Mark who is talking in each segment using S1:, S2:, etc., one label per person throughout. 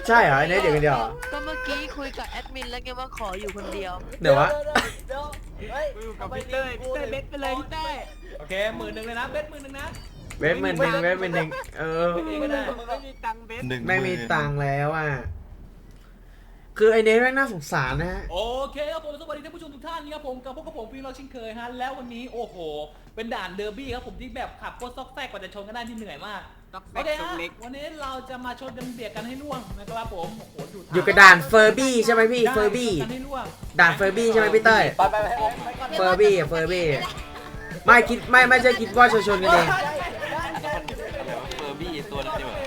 S1: ใช่เหรอไอ้เนทอยู่คนเดียวเหรอ
S2: ก็เมื่อกี้คุยกับแอดมินแล้วไงว่าขออยู่คนเดียว
S1: เดี๋ยววะ
S3: เฮ้ย
S4: อยู่กับพี่เต้ยเบสไปเลยพี่เต้ยโอเค10,000เลยนะเบส10,000นะ
S1: เวทมันหนึ่งเวทมันหนึ่ง
S4: ไม่ได้มึงไม่มีตังค์เบส
S1: ไม่มีตังค์แล้วอ่ะคือไอ้เนทแม่งน่าสงสารนะฮะ
S4: โอเคครับผมสวัสดีท่านผู้ชมทุกท่านนะครับผมกับพวกผมฟิล์มเราเช่นเคยฮะแล้ววันนี้โอ้โหเป็นด่านเดอร์บี้ครับผมที่แบบขับโคตรซอกแซกกว่าจะชนกันได้ที่เหนื่อยมากโอเคฮะวันนี้เราจะมาชนกันเบียดกันให้ล่วงนะครับผมโอ้โหดู
S1: อยู่กับด่านเฟอร์บี้ใช่ไหมพี่เฟอร์บี้
S4: กันให้ล่วง
S1: ด่านเฟอร์บี้ใช่ไหมพี่เต้ย
S3: ไปก่อน
S1: เฟอร์บี้อะเฟอร์บี้ไม่คิดไม่ใช่คิดว่าชนกันเอง
S5: เฟอร์บี้ตัวนั้นดีกว่า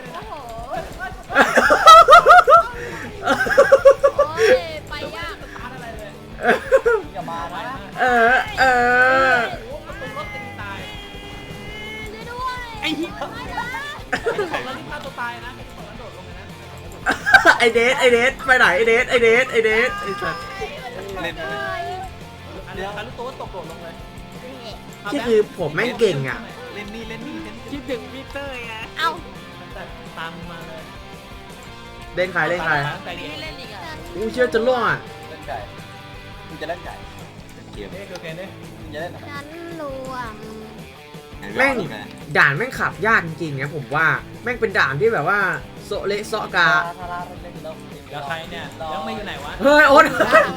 S2: โอ้ยไปยาก
S3: อย่ามานะ
S1: เออ
S4: โอ้ประตูรถตีตาย
S2: ช่วยด้วย
S4: ไอ้เหี้ย
S2: ไม่นะ
S4: ของเราที่ฆ่าตัวตายนะของเราโดดลงเลยนะ
S1: ไอเดทไปไหนไอเดทไอสัส
S5: เล่น
S4: อันนี้อันนี้ตัวตกโดดลงเลย
S1: ที่คือผมแม่งเก่งอ่ะ
S5: เล่นนี่เล่นนี่เล่น
S4: คิดถึงพี่เต้ยไง
S2: เอ้า
S4: ตามมาเลย
S1: เล่นใคร
S4: ใจ
S2: มี
S4: เย็น
S2: ให้เล่นอีกอ่ะ
S1: อู้เชื่อจะล่วงอ่ะ
S3: เล่นไก่มึงจะเล่นไก่
S5: เกม
S4: เฮ้ยโอเคเนี่ย
S3: มึงจะเล่นอะไร
S2: ฉันรวม
S1: แม่งด่านแม่งขับยากจริงๆนะผมว่าแม่งเป็นด่านที่แบบว่าโซเละโซะกา
S3: ทาราเล่นแล้ว
S4: เดี๋ยวใครเนี่ยยังไม่อยู่ไหนวะ
S1: เฮ้ยโอ๊ต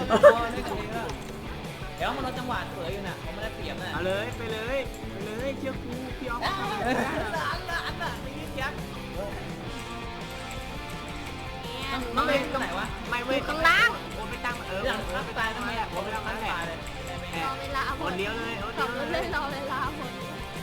S4: เดี๋ยวมันเราจังหวะเผยอยู่น่ะเขาไม่ได้เปรียบน่ะ
S6: เอาเลยไปเลยเชื่อกูพี่ออฟ
S4: อันน่ะไม่ยิงยักษ์น้องเล่นตรงไหนวะ
S6: ไม่เว้ย
S2: ข้างล่าง
S6: โอ้ไปตั้ง
S4: หลังรักตายทำไมอ่ะผมไม่รักตายเลย
S2: รอเวลาหม
S6: ค
S2: ด
S6: นเดียวเลย
S2: ขับรถเลยรอเวลาหมด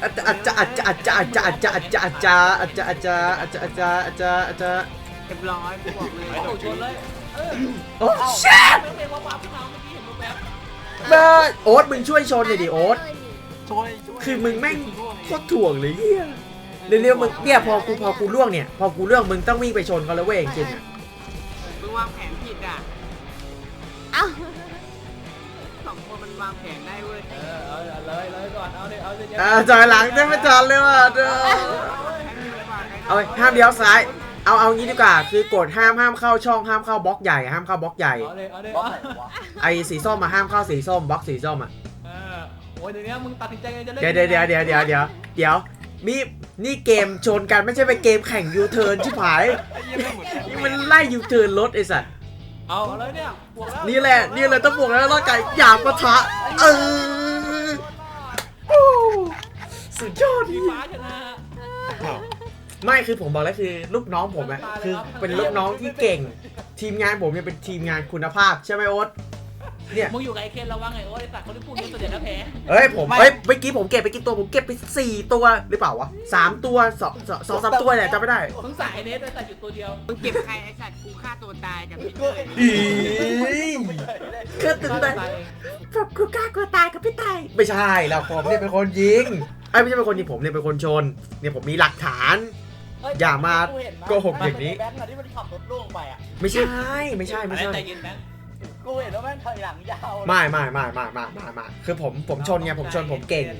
S6: เรียบร้อยกูบอกเลย
S4: ไปถูกชนเลยเออ
S1: โอ้ชิต
S4: ไม่เป็นว่าว้าวขึ้นมาเมื่อกี้เห็นรูปแบบ
S1: เบิร์ดโอ๊ตมึงช่วยชนหน่อยดิโอ๊ต
S5: ช่วย
S1: คือมึงแม่งโคตรถ่วงเลยเฮียเร็วๆมึงเนี่ยพอกูล่วงเนี่ยพอกูล่วงมึงต้องวิ่งไปชนเขาแล้วเว้ยจริงๆ
S6: มึงวางแผนผิดอ่ะ
S2: เอ้า
S6: สองคนมันวางแผนได้เว้ย
S4: เอาเลยก่อนเอาเลยเอาเลย
S1: จอยหลังจะไม่จอดเลยว่ะเด้อเอาห้ามเลี้ยวซ้ายเอางี้ดีกว่าคือกดห้ามเข้าช่องห้ามเข้าบล็อกใหญ่ห้ามเข้าบล็อกใหญ่
S4: เอาเลย
S3: บล็อกไหนวะ
S1: ไอ้สีส้มมาห้ามเข้าสีส้มบล็อกสีส้มอ่ะ
S4: โอ้ยเดี๋ยวนี้มึงตัดสินใจจะเล่น
S1: เดี๋ยวนี่เกมชนกันไม่ใช่เป็นเกมแข่งยูเทิร์นชิบหายนี่มันไล่ยูเทิร์นรถไอ้สัตว์
S4: เอาเลยเนี่ยบวกแล้ว
S1: นี่แหละต้องบวกแล้วรอดไก่หยาบปะทะสุดยอด
S4: สีฟ้าชนะ
S1: ไม่คือผมบอกแล้วคือลูกน้องผมอะคือเป็นลูกน้องที่เก่ง ทีมงานผมเนี่ยเป็นทีมงานคุณภาพใช่ไหมโอ๊ตเนี่ย
S4: มึงอยู่กับไอ้เคนระวังไงโอ้ยสัตว์เขาที่พูดนี่ตัวเดียวแล้วแพ้
S1: เมื่อกี้ผมเก็บไปกี่ตัวผมเก็บไป4ตัวหรือเปล่าวะ3ตัว2-3ตัวเนี่ยจำไม่ได้
S4: มึงใส่ไอ้เนสแต่อยู่ตัวเดียว
S6: มึงเก็บใครไอ้สัตว์กูฆ่าตัวตายกับพี่เต้ย
S1: ก็ตื่นเต้นแบบกูกล้ากลัวตายกับพี่ตายไม่ใช่เราผมเนี่ยเป็นคนยิงไม่ใช่เป็นคนยิงผมเนี่ยเป็นคนชนเนี่ยผมมีหลักฐาน อย่ามาโกหกอย่างนี้
S3: แบงค์อะที่มันขับรถล่วงไปอ่ะ
S1: ไม่ใช่
S4: ใจเย็นนะ
S3: กูเห็นว่าแม่งถอยหลังยาว
S1: ไม่คือผมชนไงผมชนผมเก่ง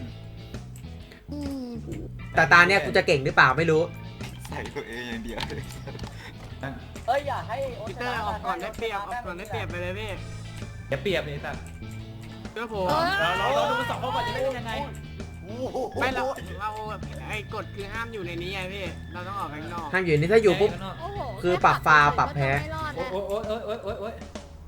S1: แต่ตาเนี่ยกูจะเก่งหรือเปล่าไม่รู้
S5: ใส่ตัวเองอย่างเดียว
S3: เอ้ยอย่าให้
S6: พี่เต้ยออกก่อนได้เปรียบไปเลยพี่
S4: อย่าเปรียบนี่สัตว์
S6: เชื่อผม
S4: เราดูสองคนก่อนจะเล่นยังไง
S6: ไม่เราไอ้กฎคือห้ามอยู่ในนี้ไงพี่เราต้องออกข้างนอก
S1: ห้ามอยู่นี่ถ้าอยู่ปุ๊บ
S2: โอ้โห
S1: คือปรับฟาวปรับแพ้
S2: ไม่รอด
S4: โอ้
S2: นะ
S4: โอ้โอ้ย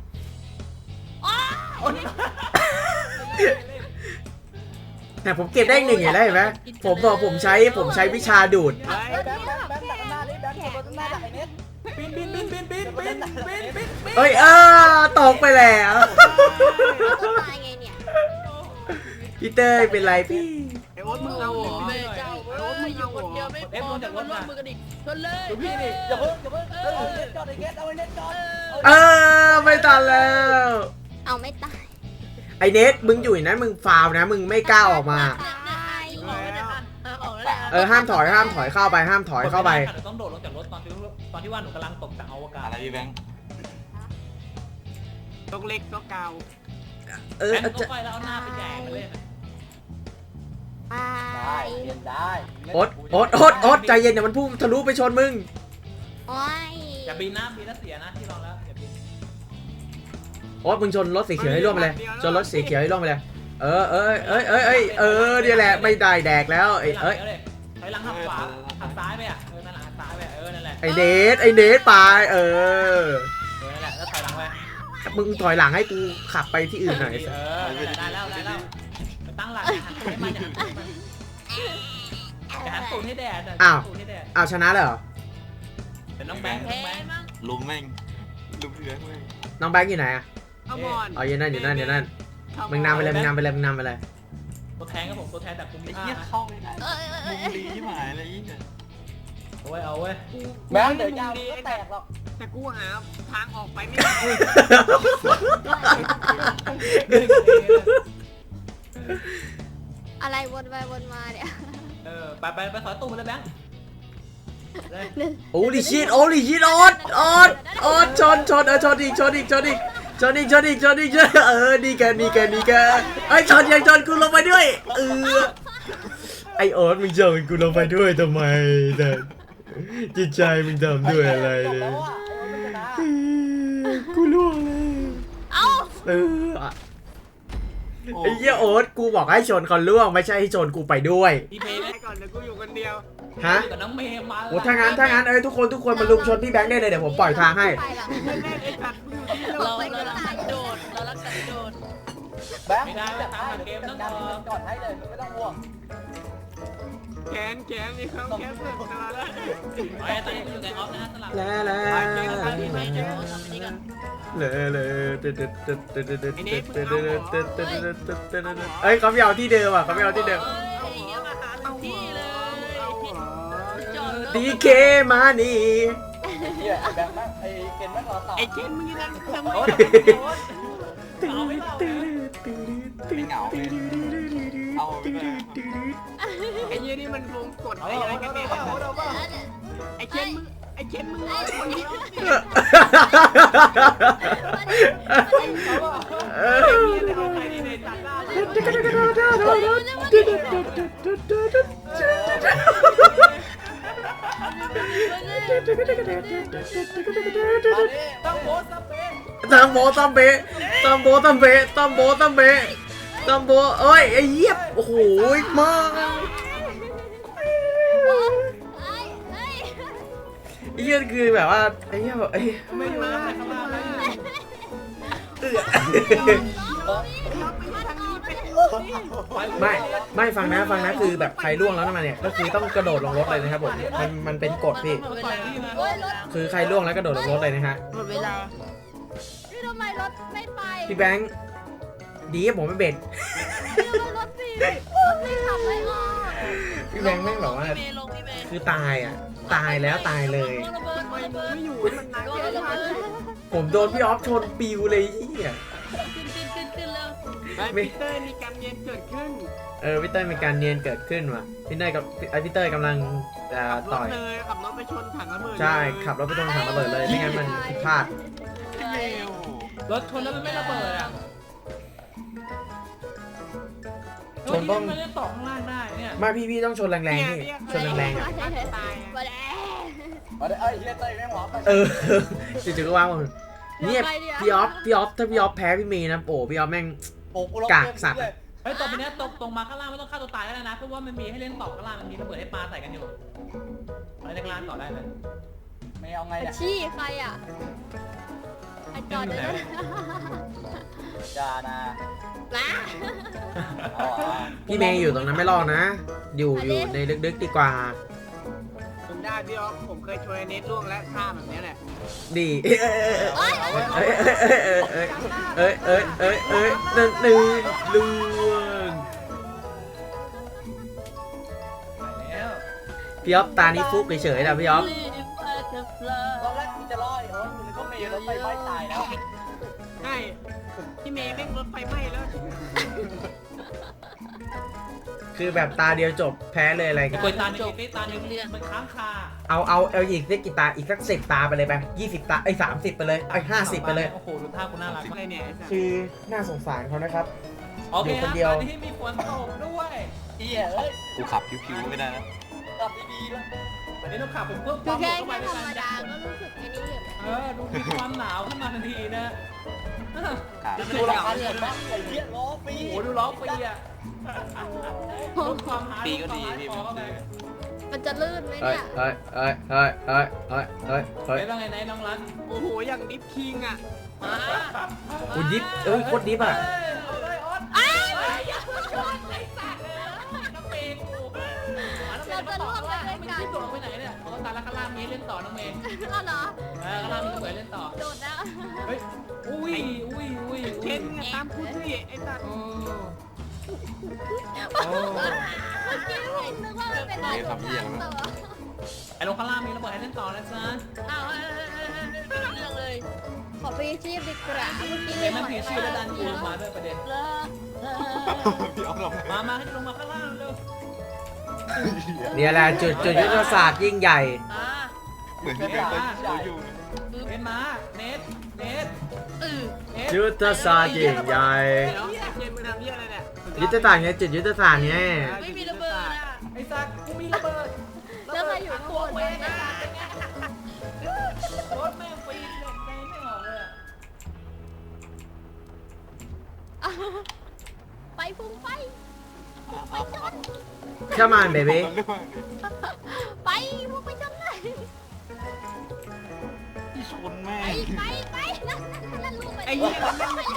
S1: แต่ผมเก็บได้1เห็นไหมผมบอกผมใช้วิชาดูด
S6: เฮ้ย
S3: แบงค์ดักหน้านี่แบงค์ขับรถหน้าดักไอ้เน็ต
S4: บิน
S1: เอ้ยตกไปแล้ว
S2: ตัวตายไงเนี่ย
S1: พี่เต้ยเป็นไรพี่
S6: ไอ้โอ๊ตมึงเอาเหรอ
S2: แม่เจ้าเอ้ยอยู่คนเดียวไม่พอต้องมาร่วมมือกันอีกชนเลย
S4: ดูพี่นี่
S3: อย่าเพิ่งเอาเน็ตจอดไอ้เน็ตเอาไอ้เน็ตจอด
S1: ไม่ทันแล้ว
S2: เอาไม่ตาย
S1: ไอเนทมึงอยู่นั้นมึงฟาวนะมึงไม่กล้าออกมา ห้ามถอยเข้าไปห้ามถอยเข้าไป
S4: ต้องโดดลงจากรถตอนที่ว่าหนูกำลังตกจากอวกาศ
S5: อะไรพี่แบงค์
S6: ตกเล็กตกเกา
S4: แบงค์ก็ไปแล้วเอาหน้าไปแย่งเลย
S3: ได้เรียนได้
S1: โอ๊ตใจเย็นเดี๋ยวมันพุ่งทะลุไปชนมึง
S2: โอ้ย
S4: อย่าบินนะเสียนะที่ลองแล้วอย่าบิน
S1: โอ๊ตมึงชนรถสีเขียวให้ร่วงไปเลยชนรถสีเขียวให้ร่วงไปเลยเดี๋ยวแหละไม่ได้แดกแล้วเอ้ย
S4: ถอยหลังหักขวาหักซ้ายไปอ่ะนั่นแหละหักซ้ายไปนั่นแหละ
S1: ไอเนทไป
S4: นั่นแหละแล้วถอยหลังไป
S1: มึงถอยหลังให้กูขับไปที่อื่นหน่อย
S4: ได้แล้วไปตั้งหลักหันให้มันหันตูดให้แดด
S1: อ้าวชนะเลยเหรอ
S4: แต่น้องแบงค์
S5: ลุมแม่งลุมเรือแม่ง
S1: น้องแบงค์อยู่ไหนอะ
S6: ขมอน
S1: อ๋ออยู่นั่นมึงนำไปเลย
S4: ตัวแทนครับผมตัวแทนจากภูมิ
S5: ไอ้
S4: ภา
S5: เหี้ย
S4: ค
S5: เข้าไม่ได้มุมดีที่หมายอะไรอีก
S4: เอาเว้ย
S3: แม่งเดี๋ยวยาวก็แตกหรอก
S6: แต่กูหาทางออกไปไม่ได้
S7: อะไรวนไปวนมาเนี่ย
S4: ไปถอยตู้มาเลยแบงค์
S1: โอ้ลิชิตโอดชนอีกดีแกไอ้ชนยังชนกูลงไปด้วยไอโอ๊ตมึงชนกูลงไปด้วยทำไมแต่จิตใจมึงทำด้วยอะไรเลยกูล่วงเลย
S7: เอ้า
S1: ไอ้เหี้ยโอ๊ตกูบอกให้ชนคนล่วงไม่ใช่ให้ชนกูไปด้วย
S4: พี่เพย์
S6: ไปก่อนเดี๋ยวกูอยู่คนเดียว
S1: ฮะ
S4: กับน้องเมย์มา
S1: โอ้ถ้างั้นทุกคนมาลุมชนพี่แบงค์ได้เลยเดี๋ยวผมปล่อยทางให้
S7: ไปละ
S6: เล่นไอ้สัตว์กูอยู่ที่โล
S2: เรา
S6: ก
S2: รักสันโดษเรารักสันโดษ
S3: แบงค์
S4: ไม่ได้จะทำแบบเกมต้อง
S3: ก่อนให้เลยไม่ต้องห่วง
S6: แขนมีเขาแขนเสร็จมาแล้ว
S4: ไอ้ตอนนี้อยู่ในออฟนะสลับ
S1: เอ้ยเขาไม่เอาที่เดิมอ่ะเขาไม่เอาที่เดิม
S2: ที่เลยจอด
S1: ดีเคมานี่
S3: เฮียแบงค์นั่งไอ้เกณฑ์นั่งรอต่อ
S6: ไอ้เกนมึงนั่งทำไม
S5: ไม่เหงาเลยเอาไปเลย
S6: ไอ้ยี่นี่มันวงกด
S3: เอา
S6: อะไร
S3: เอา
S6: กัน
S3: เอา
S6: เนี่ย
S3: เอา
S6: ไอ้เกนมึงร้อยคนเดียวสิ
S1: เออ
S6: เอาไปดิเลยตัดหน้า
S3: ต้องโพสต์เป๊ะ
S1: ตัมโบเอ้ยไอ้เหี้ยโอ้โหมาไอ้เหี้ยคือแบบว่าไอ้เหี้ยแบบไอ้
S6: ไม่อยู่แล้วข้างล่างเลย
S1: ไม่ฟังนะคือแบบใครล่วงแล้วมาเนี่ยก็คือต้องกระโดดลงรถเลยนะครับผมมันเป็นกฎพี่คือใครล่วงแล้วกระโดดลงรถเลยนะฮะ
S2: หมดเวลา
S7: พี่ทำไมรถไม่ไป
S1: พี่แบงค์ดีผมไม่เบ็ด
S7: พี่ทำไมรถสิรถไม่ขับไม่ออก
S1: พี่แบงค์แม่งแบบว่า
S2: พี่เมย์ลงพี่เมย์
S1: คือตายอ่ะตายแล้วตายเลย
S2: ระเบิด
S6: ไม่
S2: ระเบิด
S6: อยู่มันนาน
S2: โด
S6: แค่
S2: นระ
S6: ไหน
S2: เบิด
S1: ผมโดนพี่ออฟชนปิวเลยเหี้ย
S2: ขึ้นแล้ว
S6: ไอ้พีเตอร์มีการเรียนเกิดขึ้น
S1: พี่เต้ยมีการเนียนเกิดขึ้นว่ะพี่เต้ยกับพี่เต้ยกำลังต่อย
S6: ขับรถไปชนถังระเบิด
S1: ใช่ขับรถไปตรงถังระเบิดเลยไม่งั้นมันผิดพลาด
S4: รถชนแล้วมันไม่ระเบิดอ่ะ
S1: ชนต้อง
S4: มันเล่นตกข้างล่างได้เนี่ย
S1: ไม่พี่ต้องชนแรงๆพี่ชนแรงๆอ่ะ
S6: ตาย
S7: มาแล้ว
S3: มาได้ไอ้เฮียเต้ยแม่งหวาไป
S1: จู่ๆก็ว่างหมดเนี่ยพี่ออฟถ้าพี่ออฟแพ้พี่เมย์นะโอ้พี่ออฟแม่ง
S3: โอ้กู
S1: กากสัตว์
S4: เฮ้ยตบไปเนี้ยตกมาข้างล่างไม่ต้องฆ่าตัวตายก็ได้นะเพราะว่ามันมีให้เล่นตอกข้างล่างมันมีระเบิดให้ปลาใส่กันอยู่อะไรในข้างล่างต่อได้เลย
S3: ไม่เอาไงเนี่ย
S7: ชี้ใครอ่ะใครจอดได้ไหม
S3: จานา
S7: มา
S3: เอาอ่ะ
S1: พี่เมย์อยู่ตรงนั้นไม่รอดนะ อยู่ในลึกๆดีกว่า
S6: ผมได้พี่อ๊อฟผมเคยช่วยเน็ตล่วงและฆ่าแบบนี้แหละ
S1: ดีนั่นล่วง
S4: แล้ว
S1: พี่ออฟตานี้ฟุกเฉยๆนะพี่ออฟ
S3: ตอนแรกกูจะรอไอ้โอ๊ตกูนึกว่าเมย์รถไฟไหม้ตายแล้ว
S6: ใช่พี่เมย์แม่งรถไฟไหม้แล้ว
S1: คือแบบตาเดียวจบแพ้เลยอะไรกัน
S4: กวยตาหนึ่งตาหนึ่งมันค้างคา
S1: เอาอีกสักกี่ตาอีกสัก10 ตาไปเลยไป20 ตา30 ไปเลย50 ไปเลย
S4: โอ้โหดูท่ากูน่ารัก
S6: อะไรเนี่ย
S1: คือน่าสงสารเขานะครับ
S4: โอเคครับตอนนี้มีฝนตกด้วย
S3: เฮียเอ้ย
S5: กูขับผิวๆไม่ได้แล้ว
S3: กลับดีๆแล้ว
S1: เ
S4: ไอ้ต้องขับผมเพิ่มค
S7: คื
S4: วา
S7: อ
S4: ม
S7: แค่
S4: เข้าไป
S7: ธ
S4: ใน
S7: รรม
S4: การ
S7: ดาก็รู้สึกไอ้นี่อยู่
S4: ดูมีความหนาวขึ้นมาทันทีนะ
S5: ครับ
S3: ดูราคาเงินบ้างไอ้เหี้ยล้อฟรี
S4: โอ้โหดูล้อฟรีอ่ะลดความหา
S5: ปีก็ดีพี่
S4: พอเข้าไป
S7: มันจะลื่นไหม
S1: เฮ้ย
S7: เนี่ย
S1: เฮ้ยเฮ้ยเฮ้ยเฮ้ยเฮ้ยเฮ้ยเฮ้ย
S4: เฮ้ยว่าไงไหนน้องรัน
S6: โอ้โหอย่างดิฟคิงอ่ะ
S1: กูดิฟโคตรดิฟอ่ะ
S4: เอาเลยออส
S7: อ้าว
S4: อย่าเพิ่งชนไอ้สัตว์น้องเมย์กูน้องเมย์มาต่อข้างล่างไม่คิดตัวลงไปไหนเนี่ยเขาตายแล้วข้างล่างมีเล่นต่อน้องเมย์
S7: เอาเหรอ
S4: ข้างล่างมีก็เหมือนเล่นต่อ
S7: โดดนะ
S4: เฮ้ยอุ้ย
S6: เคนมึงอะตามกูสิไอ้สัตว์
S4: โอ้
S7: เมื่อกี้เห็นนึกว่ามันเป็นอะไรของทางต่อ
S4: ไอ้ลงข้างล่างมีระเบิดให้เล่นต่อนะจ๊ะ
S7: เอาเรื่องเลย ขอไปชีพดีกว่าเมื่อกี้
S4: เป็นนั่นผีชื่อแล้วดันกูลงมาด้วยประเด็น
S7: เลิก
S5: พี่เอาลง
S4: มาให้ลงมาข้างล่างเร็ว
S1: เนี่ยแหละจุดยุทธศาสตร์ยิ่งใหญ่
S5: เหมือนพี่เอาเขาอยู่
S4: เน็ตมาเน็ตเน็ต
S1: ยุทธศาสตร์ยิ่งใหญ่
S6: เดี๋ยวไอ้เคนมึงทำเหี้ยอะไรเนี่ย
S1: ยุทธศาสตร์ไงจุดยุทธศาสตร์ไง
S7: ไม่มีระเบิดอ่ะ
S4: ไอ้สัตว์กูมีระเบิด
S7: แล้วใครอยู่ข้างบน
S4: เว
S7: นะ
S4: รถแม่งปีนเลยไม่ออกเลย
S7: ไปพุ่งไป ไปจน
S1: Come on baby
S7: ไปพุ่งไปจนเลย
S5: พี่ชนแม่
S7: ไปนั่นลูกไป
S6: ไอ้เหี้ย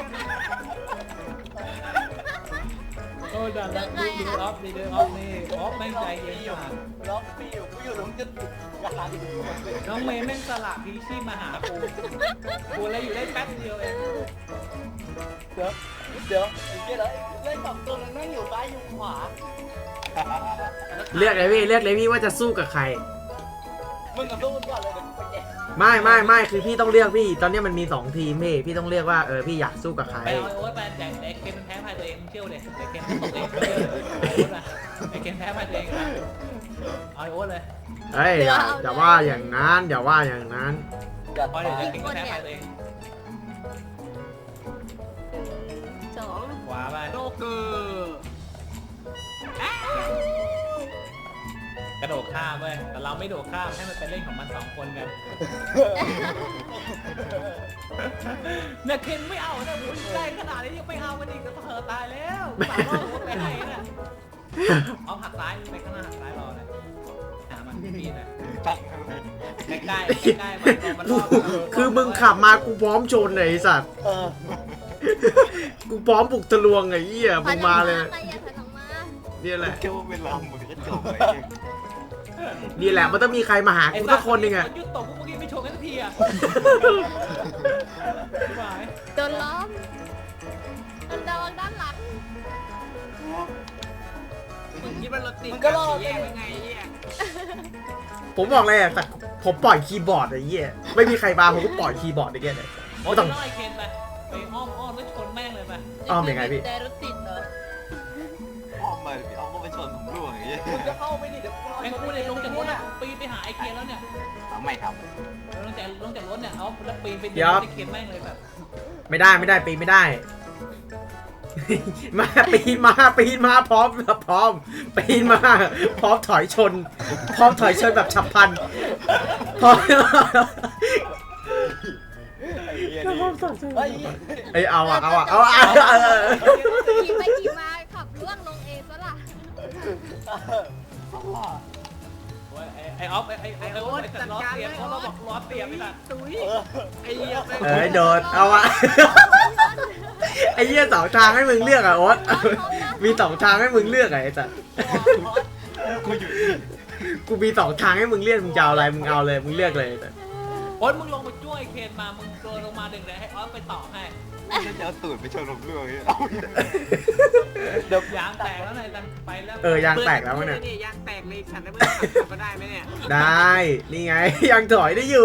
S4: โอ้ดันแล้วดูออฟดีเดอร์ออฟนี่ออฟแม่งใจเย็นมาก
S3: ล้อฟรีอยู่กูอยู่ตรงจุดกลาง
S4: น้องเมย์แม่งสละพีชีพมาหากูเลยอยู่ได้แป๊บเดียวเอง
S3: เดี๋ยวไอ้เหี้ยเลยเล่นสองตัวนั้นนั่งอยู่ซ้ายอยู่ขวา
S1: เลือกเลยพี่ว่าจะสู้กับใคร
S3: มึงกับสู้ก่อนเลยเดี๋ยวกูไปแจก
S1: ไม่คือพี่ต้องเลือกพี่ ตอนนี้มันมี2ทีมพี่ต้องเลือกว่าพี่อยากสู้กับใคร
S4: ไปเอาโอ๊ตไปแต่ไอ้เคนมันแพ้พายตัวเองเชี่ยวเลยไอ้เคนตกเองไอ้เคนแพ้พายตัวเองนะเอาโอ๊ตเลย
S1: เฮ้ยอย่าว่าอย่างนั้นอย่าว่าอย่างนั้น
S3: อย่า
S4: พอเดี๋ยวไอ้เคนก็แพ้พายตัวเอง
S7: สอง
S4: ขวาไป
S6: โลเกอร์
S4: กระโดดข้ามเว้ยแต่เราไม่โดดข้ามให้มันเป็นเล่นของมัน2 คนกันเนี่ยเคนไม่เอานะคุณใกล้ขนาดนี้ยังไม่เอามันอีกก็เธอตายแล้วสามรอบไปให้นะเอาหักซ้ายไปข้างหน้าหักซ้ายรอเลยหามันปีนเลย
S5: ตั้ง
S4: ใกล้มันรอบ
S1: คือมึงขับมากูพร้อมชนเลยไอ้สัตว์ กูพร้อมบุกทะลวงไอ้เหี้ยมึงมาเลย
S7: ใครอย่าถอยออกมา
S1: เนี่ยแหละ
S5: แค่ว่าเวลาเหมือนก็จบเลย
S1: นี่แหละมันต้องมีใครมาหากูสักคนหนึ่งอะ
S4: ยุดตกพวกเมื่อกี้ไม่ชนกันสักทีอ่ะไหว
S7: โดนล้อมมันระวังด้านหลัง
S6: มึงคิดว่ารถติดแย่ยังไงไอ้เหี้ย
S1: ผมบอกเลยอะแต่ผมปล่อยคีย์บอร์ดไอ้เหี้ยไม่มีใครมาผมก็ปล่อยคีย์บอร์ดไอ้เหี้ยเลย
S4: โอ้ยต้องไอ้เคนไปอ้อมแล้วชนแม่งเลยไป
S1: อ้อมยังไงพี่
S7: แต่รถติดเหรอ
S5: อ้อมมาพี่อ้อมก็ไปชนผมร่วงอย่างเงี้ย
S3: มึงจะเข้าไปดิเดี๋ยวกู
S4: ไอ้กูเนี่ยลงจากรถอะปีนไปหาไอ้เคนแล้วเนี่ย
S5: เอาไม่ครับ
S4: ลงจากรถเนี่ยเอาแล้วปีนไป
S1: เดี๋ยว
S4: ไอ้เคนแม่งเลยแบบ
S1: ไม่ได้ปีนไม่ได้ มาปีนมาพร้อมปีนมาพร้อมถอยชนแบบฉับพลันพร้อม
S5: ไอ้เหี้ย
S3: เฮ้ย
S1: ไอ้เอา
S7: ขี่ไปขี่มาขับล่วงลงเองซะล่ะ
S4: โอ้ยไอ้ออฟไอ้โอ๊ตจัดล้อเสียบเพราะเราบอกล้อเสียบไปละ
S6: ตุ้ยไอ้เหี้ยแม่ง
S1: เอ้ยโดดเอาอะไอ้เหี้ย2 ทางให้มึงเลือกอะโอ๊ตมี2 ทางให้มึงเลือกอะไอ้สัส
S5: กูอยู่
S1: กูมี2 ทางให้มึงเลือกมึงจะเอาอะไรมึงเอาเลยมึงเลือกเลยไอ้สัส
S4: โอ๊ตมึงลงไปช่วยเคนมามึงโดนลงมาดึงเลยให้ออฟไปต่อให้
S5: นี่จะเอาตูดไปชนผมร่วงอย่างเงี้ย
S4: เดี๋ยวยางแตกแล้วนายดันไปแล้ว
S1: ยางแตกแล้วเนี่ย
S6: ยางแตกเลยฉันได้เมื่อขับก็ได้ไหมเนี่ย
S1: ได้นี่ไงยังถอยได้อยู่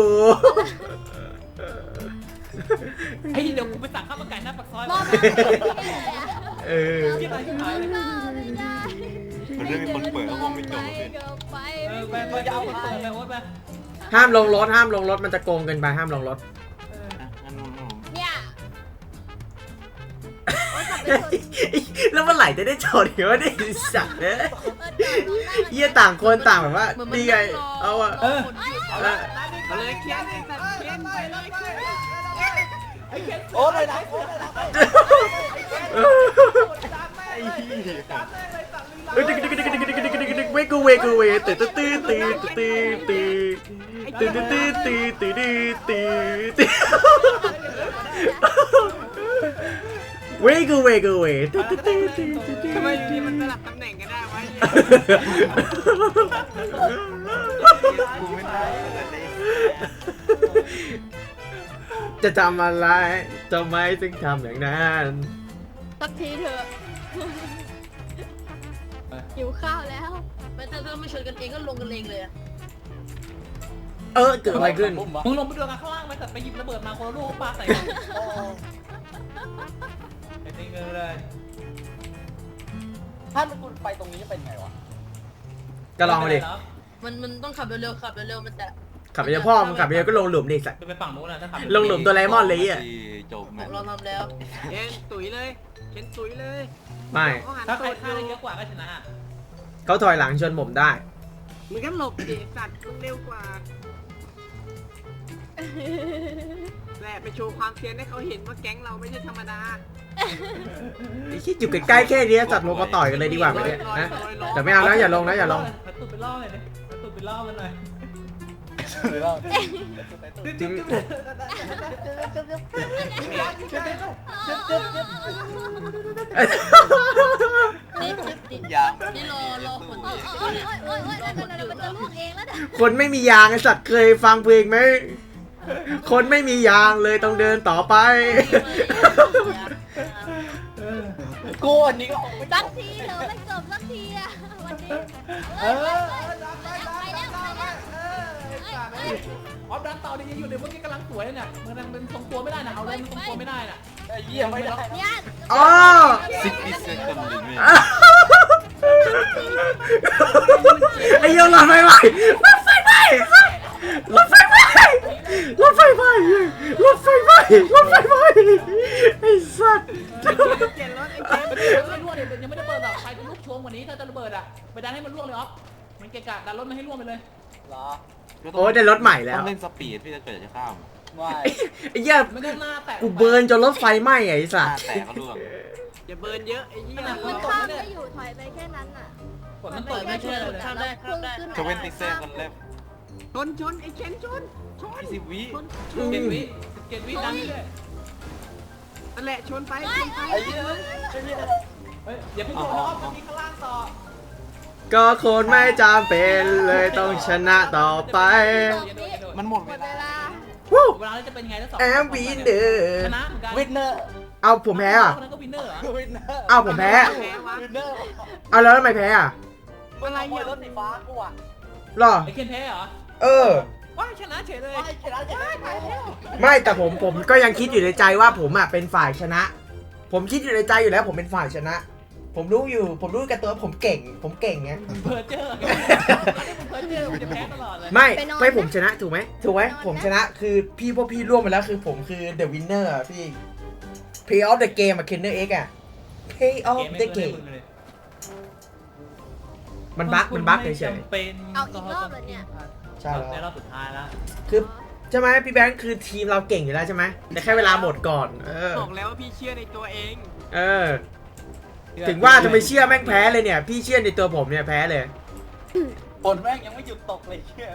S4: ไอ้เดี๋ยวกูไปสั่งข้าวมันไก่หน้าปากซอย
S7: มอง
S1: เออ
S4: ที่ไหนที่ไหนเลย
S7: ไม่ได้
S5: มันเรื่องมีคนเปิดก็คงไม่จบเลย
S7: ไป
S4: ไปเอาไปเปิดไปโอ๊ตไป
S1: ห้ามลงรถมันจะโกงเกินไปห้ามลงรถ
S5: งั้นผม
S7: เนี่ยโอ๊ยขับ
S1: แล้วเมื่อไหร่จะได้โชว์เดี๋ยวได้สัตว์เนี่ยเหี้ยต่างคนต่างแบบว่านี่ไงเอาอะ
S6: เอาเลยเคียนตัดเคียนไปเลยเคียน
S3: โอ้ยนะโอ้ยนะ
S1: เวกูตื่นตื่นตื่นตื่นตื่นตื่นตื่นตื่นตื่นตื่นตื่นเวกูตื่นตื่นตื่น
S6: ทำไมทีมันสลับตำแหน่งกันได้วะ
S5: กูไม่ได้เลย
S1: จะทำอะไรทำไมถึงทำอย่างนั้น
S7: สักทีเถอะหิวข้าวแล้ว
S2: ไม่ถ้าไม่ชนกันเองก็ลงกันเองเลยอะ
S1: เกิดอะไรขึ้น
S4: มึงลงไปดูกันข้างล่างไหมแต่ไปหยิบระเบิดมาคนละลูกปาใส่กันไอ้นี่เงินเลย
S3: ถ้ามันคุณไปตรงนี้จะเป็นไงวะ
S1: ก็ลองมาดิ
S2: มันต้องขับเร็วๆขับเร็วๆมันจะ
S1: ขับไปเจอพ่อมึงขับไปเจอก็ลงหลุมดิสัตว์
S4: ไปฝั่งนู้นนะถ้าขับ
S1: ลงหลุมตัวไลมอนเลยอ่ะ
S5: จบ
S2: ผ
S5: แม่
S2: มลองทำแล้ว
S6: เคียนตุ๋ยเลยเคียนตุ๋ยเลย
S1: ไม่
S4: ถ้าใครฆ่าได้เยอะกว่าก็ชนะ
S1: เขาถอยหลังชนผมได้
S6: มึงก็หลบดิสัตว์เร็วกว่าแหละไปโชว์ความเซียนให้เขาเห็นว่าแก๊งเราไม่ใช่ธรรมดา
S1: ไอ้คิดอยู่ใกล้ๆแค่นี้สัตว์ลงมาต่อยกันเลยดีกว่าไหมเนี่ยนะแต่ไม่เอานะอย่าลงนะอย่าลง
S4: ตุ่ไปล่อเลยดิตุ่ไปล่อมันหน่อย
S3: หรือว่า
S1: ถึง
S5: ยาง
S2: นี่รอฝน
S7: โอ้ยโอ้ยโอ้ยโอ้ยมันจะลูกเองแล้วเนี่ย
S1: คนไม่มียางไอ้สัตว์เคยฟังเพลงไหมคนไม่มียางเลยต้องเดินต่อไป
S3: กูอันนี้ก็คงไม่
S7: สักทีเถอะไม่จบสักทีอะวันนี้ไปแล้วไปแล้ว
S4: ออฟดันต่อดิยังอยู่ในเมื่อกี้กำลังสวยเนี่ยมันทรงตัวไม่ได้นะเอาเลยมันทรงตัวไม่ได้น่ะ
S3: เยี่ยมไม่ได้
S7: เนี่ย
S1: อ๋อ
S5: 60 seconds limit
S1: ไอ้เหี้ยรถไฟไหม้รถไฟไหม้รถไฟไหม้รถไฟไหม้รถไฟไหม้รถไฟไหม้ไอ้สัตว์
S6: เกียนรถไอ้
S4: มัน
S6: เกียน
S4: ไม่ร่วงเลยยังไม่ได้เปิดหรอกใครจะลุกโชงกว่านี้ถ้าจะระเบิดอ่ะไปดันให้มันร่วงเลยออฟมันเกะกะดันรถไม่ให้ร่วงไปเลย
S3: เหรอ
S1: โอ้ยได้รถใหม่แล้
S5: ต้
S1: ว
S5: องเล่นสปีดพี่จะเกิดจะข้าม
S3: ไม่
S1: ไอ้เหี้ย
S4: ไม่ได้หน้าแตก
S1: กูเบิร์นจนรถไฟไหม้ไอ้สัตว์
S5: แตกก็ร่วง
S6: อย่าเบิร์นเยอะไอ้เหี้ย
S7: มันข้ามไม่อยู่ถอยไปแค่นั้นอ่ะ
S4: ฝนมันตกไม่ช่วยเลย
S2: ข้ามได้ข้ามได้
S5: 20 seconds left
S6: ชนไอ้เคนชน
S5: 20 วิ
S4: เกตวิดันเลย
S6: นั่นแหละชนไปชนไป
S3: ไอ้เหี้ยไอ้เหี้ย
S4: เฮ้ยอย่าเพิ่งโดนออฟมันมีข้างล่างต่อ
S1: ก็คนไม่จำเป็นเลยต้องชนะต่อไป
S5: มันหมด
S7: หม
S5: เว
S7: ดเว
S5: ลา
S7: ลา
S1: วู้
S4: เวลาจะเป็นไงถ้าสอง
S1: แอมบีเดอร์
S4: ชนะเหมือนกัน
S3: วินเนอร์
S1: เอาผมแพ้อ่ะ
S4: คนนั้นก็วินเนอร์เหรอ
S3: วินเนอร์
S1: เอาผมแพ้
S6: แพ้วะ
S3: วินเนอร์
S1: เอาแล้วทำไมแพ้อ่ะ
S3: มึงขโมยรถสีฟ้ากูอ่ะ
S1: หรอ
S4: ไอเคนแพ้เหรอ
S1: เออ
S4: ว้าชนะเฉยเลย
S3: ไอ้ชนะจะได้ไปแล้ว
S1: ไม่แต่ผมก็ยังคิดอยู่ในใจว่าผมอ่ะเป็นฝ่ายชนะ ผมคิดอยู่ในใจอยู่แล้วผมเป็นฝ่ายชนะ ผมรู้กับตัวผมเก่งไง
S4: เพอร์เจอร์เพอร์เจอร์มันจะแพ้ตลอดเลย
S1: ไม่ผมชนะถูกไหมผมชนะคือพวกพี่ร่วมไปแล้วคือผมคือ the winner อ่ะพี่ play of the game อ่ะ Kenner X อ่ะ play of the game มันบั๊กเฉย
S7: เอาอีกรอบเหรอเนี่ย
S1: ๆใช่
S4: ในร
S1: แล้
S4: อ
S1: ว
S4: บสุดท้ายแล้ว
S1: คือใช่ไหมพี่แบงค์คือทีมเราเก่งอยู่แล้วใช่ไหมแต่แค่เวลาหมดก่อน
S6: บอกแล้วว่าพี่เชื่อในตัวเอง
S1: ถึงว่าจะไปเชื่อแม่งแพ้เลยเนี่ย พี่เชื่อในตัวผมเนี่ยแพ้เลย
S3: ฝนแม่งยังไม่หยุดตกเลยเชื่อ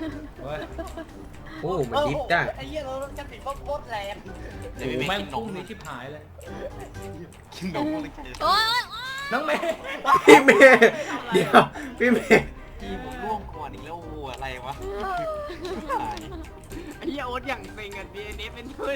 S1: โอ้มันดิฟได้
S3: ไอ้เหี้ยเราจะติดโคตรแรง
S5: เดี๋ยวพี่
S4: แม่
S5: เม
S4: ง
S5: ย์กินน
S4: พุ่ง
S5: ม
S4: นี้ชิบหายเลย
S5: กินนมเลย
S7: โอ้ย
S4: น้องเมย์
S1: พี่เมย์เดี๋ยวพี่เมย์
S5: ทีมร่วงก่อนอีกแล้วอะไรวะ
S6: ไอ้เหี้ยโอ๊ตอย่างเซ็งอ่ะ DNF เป็นด้วย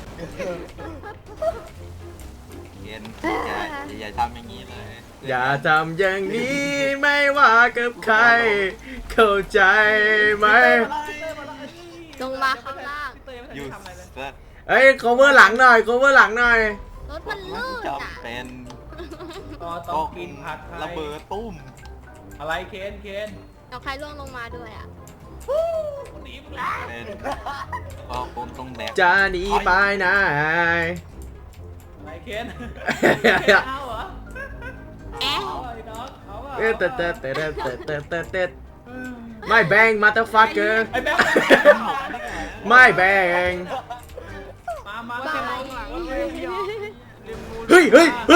S5: เย็นอย่าทำอย่างนี้เลย
S1: อย่าทำอย่างนี้ไม่ว่ากับใคร เข้าใจไหม
S7: ลงมาข้างล่าง
S4: เตยไม่
S5: ยู
S4: ทำอะไรเลย
S5: เซ็ต
S1: เอ้ย cover หลังหน่อย cover หลังหน่อย
S7: รถมันลื่นอ่ะ
S5: จำเป็น
S4: ต้องกินผัดไทย
S5: ระเบิดตุ้ม
S4: อะไรเคน
S7: เอาใครล่วงลงมาด้วยอ่ะ
S4: หนีมึงแล้ว
S5: เป็นก็คงต้องแบก
S1: จะหนีไปไหน
S4: อะไรเคนเอาเหรอ
S7: แอะ
S4: เอาไอ้น้องเอาอ่ะ
S1: เต้ไม่แบงมาเตอร์ฟักเกอร์
S4: ไอ้แบ๊ว
S1: ไม่แบง
S4: มา
S6: ว่าจะมองหลังว่าเลยพี่อ๋อริมมูล
S1: เฮ้ย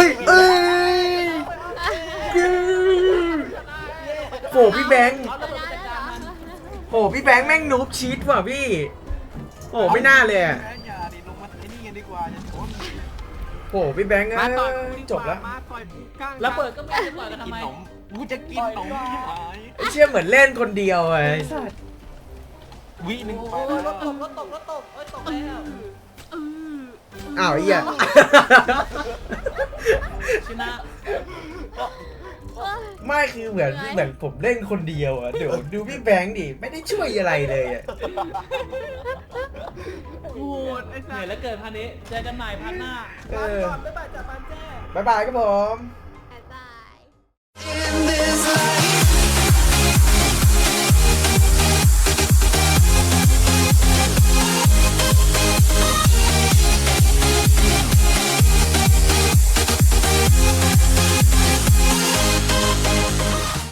S1: โหพี่แบงค์
S4: เอาระเบิดไปจัดการมัน
S1: โหพี่แบงค์แม่งนูบชีตว่ะพี่โหไม่น่าเลยอะ
S5: แม่อย่าดิลงมาไอ้นี่กันดีกว่าอย่าชน
S1: โหพี่แบงค์
S6: มาต่อย
S1: จบแล้ว
S6: มาต่อยปูก้าง
S4: ระเบิดก็ไม่ได้ต่อยกันทำ
S5: กิน
S4: ไม
S5: ขนมกูจะกินขนมที่หาย
S1: ไอ้เชี่ยเหมือนเล่นคนเดียวไอ้สัส
S5: วิหนึ่งไป
S4: โอ้ยร
S5: แล้
S4: ถ
S5: ว
S4: ตกเอ้ยตกแล้ว
S1: อ้าวไอ้เหี้ย
S4: ชนะ
S1: ไม่คือเหมือนผมเล่นคนเดียวอะเดี๋ยวดูพี่แบงค์ดิไม่ได้ช่วยอะไรเลยอะ
S6: โหดไอ้
S4: เห
S6: สั
S4: นื่อย
S6: ส
S4: แล้วเกินพันนี้เจอกันใหม่พันหน้า
S1: เออ
S4: ก่อนบ๊ายบายจากปันแจ้
S1: บ๊ายบายครับผม